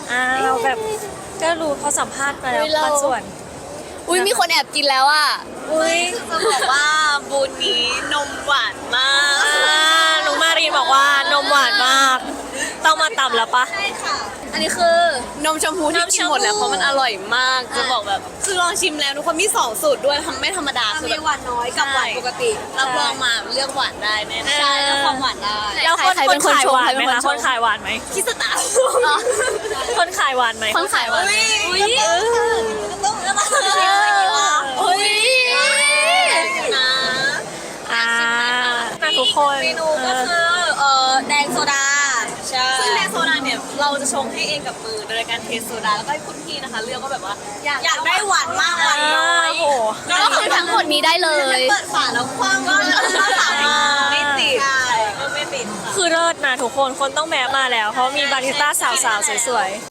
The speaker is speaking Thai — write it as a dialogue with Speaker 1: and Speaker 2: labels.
Speaker 1: เราแบบก็รู้เขาสัมภาษณ์มาแล้ว
Speaker 2: อุ๊ยเรา
Speaker 1: บางส่วน
Speaker 2: อุ้ยมีคนแอบกินแล้วอ่ะ
Speaker 1: อุ้ย
Speaker 3: จะบอกว่าบูนนี้นมหวานมาก
Speaker 1: น้องมารีนบอกว่านมหวานมาก ต้องมาตำแล้วปะ
Speaker 3: ใช่ค่ะ
Speaker 2: อันนี้คือนมชมพูที่กินหมดแล้วเพราะมันอร่อยมาก
Speaker 3: จะบอกแบบคือลองชิมแล้วทุกคนมี2สูตรด้วยทำไม่ธรรมดาคือ
Speaker 2: มี
Speaker 3: แบบ
Speaker 2: หวานน้อยกับหวานปกติ
Speaker 3: รับรองมาเลือกหวานได้แน่ๆ
Speaker 2: ใช่แล้วความหวานได้
Speaker 1: แล้วคน
Speaker 2: ใครเป็นคน
Speaker 1: ขาย
Speaker 2: ชง
Speaker 1: หวาน
Speaker 2: ใคร
Speaker 1: ไหม
Speaker 2: เป็นคน
Speaker 1: คะ
Speaker 2: ช
Speaker 1: ค
Speaker 2: ง
Speaker 1: นขายหวานไหม
Speaker 3: คิดสตาร์
Speaker 1: คนขายหวานไหม
Speaker 2: คนขายหวาน
Speaker 3: อุ้ยต้องชิมอะไรวะ
Speaker 2: อุ้ย
Speaker 3: นะ
Speaker 1: ทุกคน
Speaker 3: เมนูก็คือแดงโซดาใช่ซึ่งแดงโซดาเนี่ยเราจะชงให้เองกับมือโดยการเทโซดาแล้วก็ให้คุณพี่นะคะเลือกว่าแบบว่าอยากได้หวานมากหวานน้อย
Speaker 1: โอ้โห
Speaker 2: ก็คือทั้งหมดนี้ได้เลย
Speaker 3: เปิดฝาแล้วคว้างก็ฝาไม่ติดก็ไม่ติดค่ะ
Speaker 1: คือเลิศนะทุกคนต้องแวะมาแล้ว เพราะมีบาริสต้าสาวๆสวยๆ